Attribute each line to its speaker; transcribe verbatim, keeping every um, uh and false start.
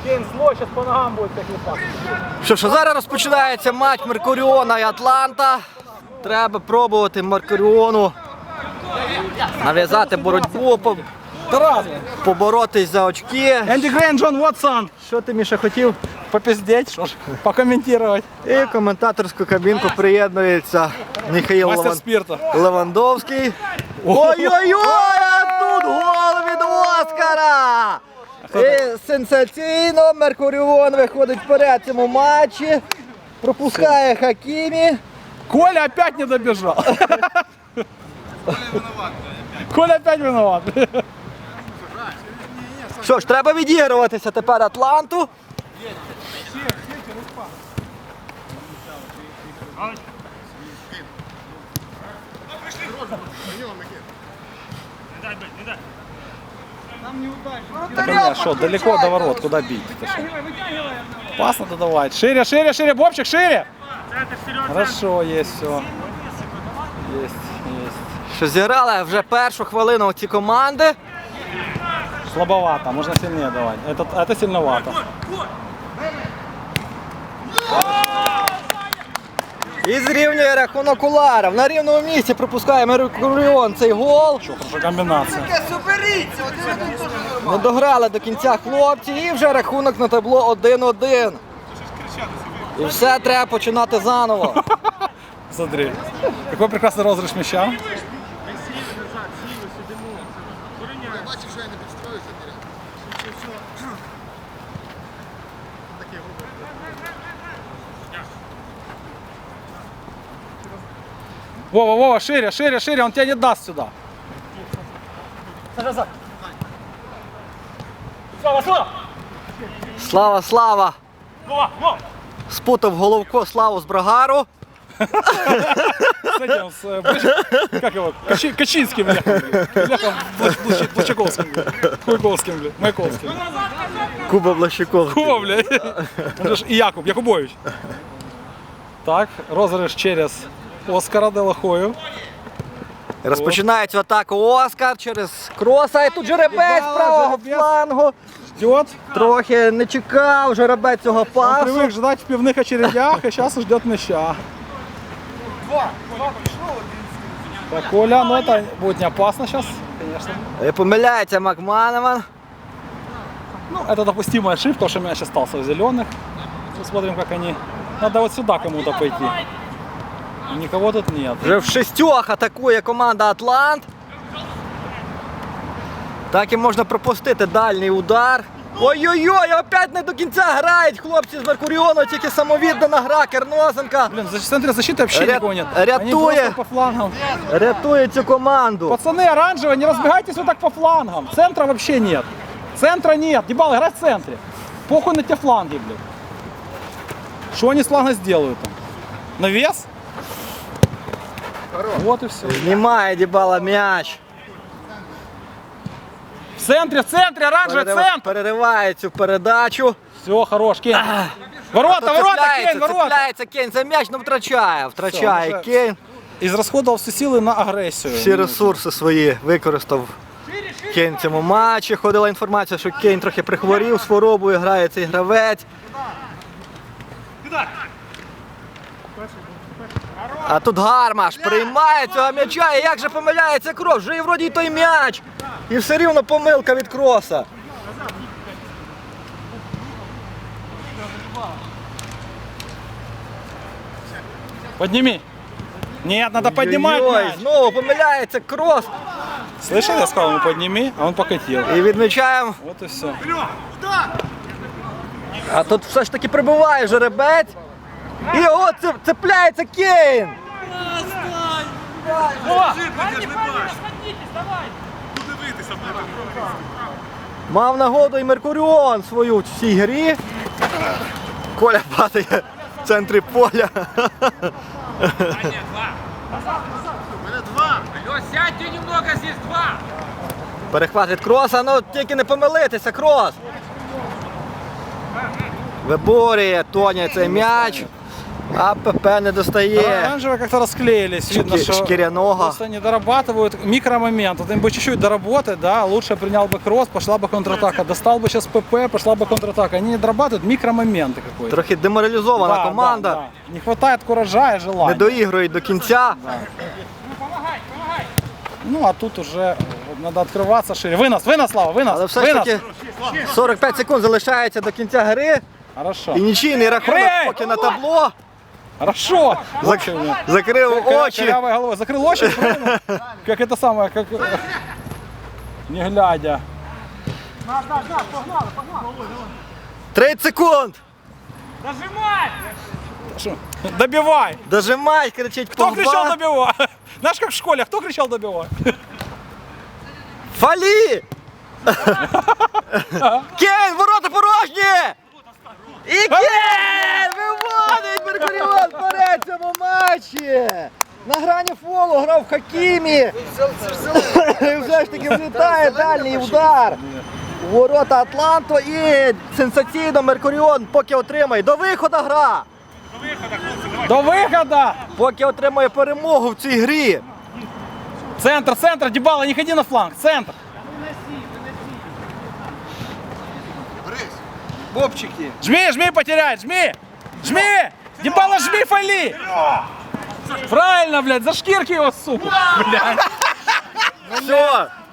Speaker 1: Кейн зло, зараз по ногам буде такий пас.
Speaker 2: Що ж, зараз розпочинається матч Меркуріона і Атланта. Треба пробувати Меркуріону нав'язати боротьбу, по... поборотись за очки.
Speaker 1: Енді Грейн, Джон Вотсон.
Speaker 2: Що ти, Міша, хотів?
Speaker 1: Попиздеть, що ж, покоментувати.
Speaker 2: І в коментаторську кабінку приєднується Михаїл
Speaker 1: Мастер
Speaker 2: Леван...
Speaker 1: спірту.
Speaker 2: Левандовський. Ой-ой-ой, а тут гол від Оскара! І сенсаційно Меркуріон виходить вперед в цьому матчі. Пропускає Хакімі.
Speaker 1: Коля опять не добежал. Коля опять виноват.
Speaker 2: Що ж, треба відігруватися тепер Атланту.
Speaker 1: Что, далеко до ворот, куда бить? Пас надо давать. Шире, шире, шире, Бобчик, шире. Хорошо, есть все. Есть, есть.
Speaker 2: Що зіграли вже першу хвилину ці команди.
Speaker 1: Слабовато, можно сильнее давать. Это, это сильновато.
Speaker 2: І зрівнює рахунок Уларов. На рівному місці пропускає Меркуріон цей гол.
Speaker 1: Что, хорошая комбинация.
Speaker 2: Не дограли до кінця хлопці і вже рахунок на табло один-один. І все треба починати заново.
Speaker 1: Смотри, какой прекрасный розыгрыш мяча. Вова, Вова, шире, шире, шире, он тебя не даст сюда.
Speaker 2: Слава, Слава! Спутав головко Славу з Брагару.
Speaker 1: С этим, с, э, Блач- как его, Качи- Качинским, бляхом, бляхом, Блач- Блач- Блачаковским, бля. Хуйковским, бля, Маяковским.
Speaker 2: Куба Блащиков.
Speaker 1: Куба, бля. Он же ж и Якуб, Якубович. Так, розыгрыш через Оскара де ла Хою.
Speaker 2: Розпочинається атаку Оскар через кроса. І тут жеребець з правого флангу.
Speaker 1: Ждет.
Speaker 2: Трохи не чекав жеребець цього
Speaker 1: Он
Speaker 2: пасу.
Speaker 1: привык ждать в пивных очередях, а сейчас ждет мяча. Так, Коля, ну это будет не опасно сейчас, конечно.
Speaker 2: І помиляється Макманеман.
Speaker 1: Ну, это допустимая ошибка, потому что мяч остался в зеленых. Посмотрим, как они. Надо вот сюда кому-то пойти. Никого тут нет.
Speaker 2: Вже в шістьох атакує команда Атлант. Так і можна пропустити дальній удар. Ой-ой-ой, опять не до кінця грають хлопці з Меркуріону, тільки самовіддана гра Кернозенка.
Speaker 1: Блин, в центре защиты вообще
Speaker 2: Ря-
Speaker 1: никого нет.
Speaker 2: рятуя.
Speaker 1: Они просто по флангам.
Speaker 2: Рятує цю команду.
Speaker 1: Пацаны, оранжевые, не разбегайтесь вот так по флангам. Центра вообще нет. Центра нет. Дебал, играй в центре. Похуй на те фланги, блин. Что они с фланга сделают там? Навес? Вот и все.
Speaker 2: Знімає Дібала м'яч.
Speaker 1: В центре, в центре, оранжевый
Speaker 2: Перерив-
Speaker 1: центр.
Speaker 2: Перериває цю передачу.
Speaker 1: Все, хорош, Кейн. Ворота,
Speaker 2: Тут
Speaker 1: ворота,
Speaker 2: цепляється,
Speaker 1: Кейн, ворота.
Speaker 2: цепляється Кейн за м'яч, але втрачає. Втрачає
Speaker 1: Все, вже-
Speaker 2: Кейн.
Speaker 1: Израсходовал все силы на агрессию.
Speaker 2: Всі ресурси свої використав Кейн в цьому матчі. Ходила інформація, що Кейн трохи прихворів з хворобою, грає цей гравець. А тут Гармаш приймає цього м'яча, і як же помиляється Крос, вже і вроді й той м'яч. І все рівно помилка від Кроса.
Speaker 1: Подними. Нет, надо поднимать
Speaker 2: Ой-ой,
Speaker 1: мяч.
Speaker 2: знову помиляється Крос.
Speaker 1: Слышал, я сказал ему подними, а он покатил.
Speaker 2: І відмічаємо.
Speaker 1: Вот и все.
Speaker 2: А тут все ж таки прибуває жеребець. І от це- цепляється Кейн. Мав нагоду і Меркуріон свою в цій грі. Коля падає в центрі поля.
Speaker 3: Алло, сядьте немного, здесь два.
Speaker 2: Перехват від Кроса, ну тільки не помилитися, Крос. Виборює Тоня цей м'яч. АПП не достає.
Speaker 1: Оранжевые как-то расклеились. Видно,
Speaker 2: Шки-
Speaker 1: что
Speaker 2: шкиряного.
Speaker 1: просто не дорабатывают микромомент. Вот им бы чуть-чуть доработать, да, лучше принял бы кросс, пошла бы контратака. Достал бы сейчас ПП, пошла бы контратака. Они не дорабатывают микромоменты какой-то.
Speaker 2: Трохи деморалізована
Speaker 1: Да,
Speaker 2: команда.
Speaker 1: да, да. Не хватает куража и
Speaker 2: Не
Speaker 1: желания.
Speaker 2: доігрують до кінця.
Speaker 3: Помогай, помогай.
Speaker 1: Ну, а тут уже надо открываться шире. Вынос, вынос, Слава, вынос,
Speaker 2: Але все ж
Speaker 1: вынос.
Speaker 2: таки сорок п'ять секунд залишається до кінця гри.
Speaker 1: Хорошо,
Speaker 2: І нічийний рахунок
Speaker 1: Ей!
Speaker 2: поки на табло.
Speaker 1: хорошо.
Speaker 2: Зак...
Speaker 1: Очень,
Speaker 2: Закрив
Speaker 1: Кор-
Speaker 2: очі.
Speaker 1: корявой головой. Закрыл очи, правильно? Как это самое, как... э, Не глядя.
Speaker 2: тридцять секунд.
Speaker 3: Нажимай!
Speaker 1: Шо? Добивай.
Speaker 2: Дожимай, кричить
Speaker 1: Кто кричал
Speaker 2: Погба.
Speaker 1: добивай? Знаешь, как в школе, кто кричал добивай?
Speaker 2: Фалі! Кейн, ворота порожні! І Кейн виводить Меркуріон вперед в цьому матчі! На грані фолу грав Хакімі. І все ж таки влітає дальній удар. У ворота Атланту і сенсаційно Меркуріон поки отримає. До виходу гра!
Speaker 1: До выхода!
Speaker 2: Поки отримує перемогу в цій грі.
Speaker 1: Центр, центр, Дебала, не ходи на фланг, центр.
Speaker 2: Бобчики.
Speaker 1: Жми, жми, потеряй, жми! Жми! Дебала, жми, Фали! Правильно, блядь, за шкирки его, сука! Блядь.
Speaker 2: Все,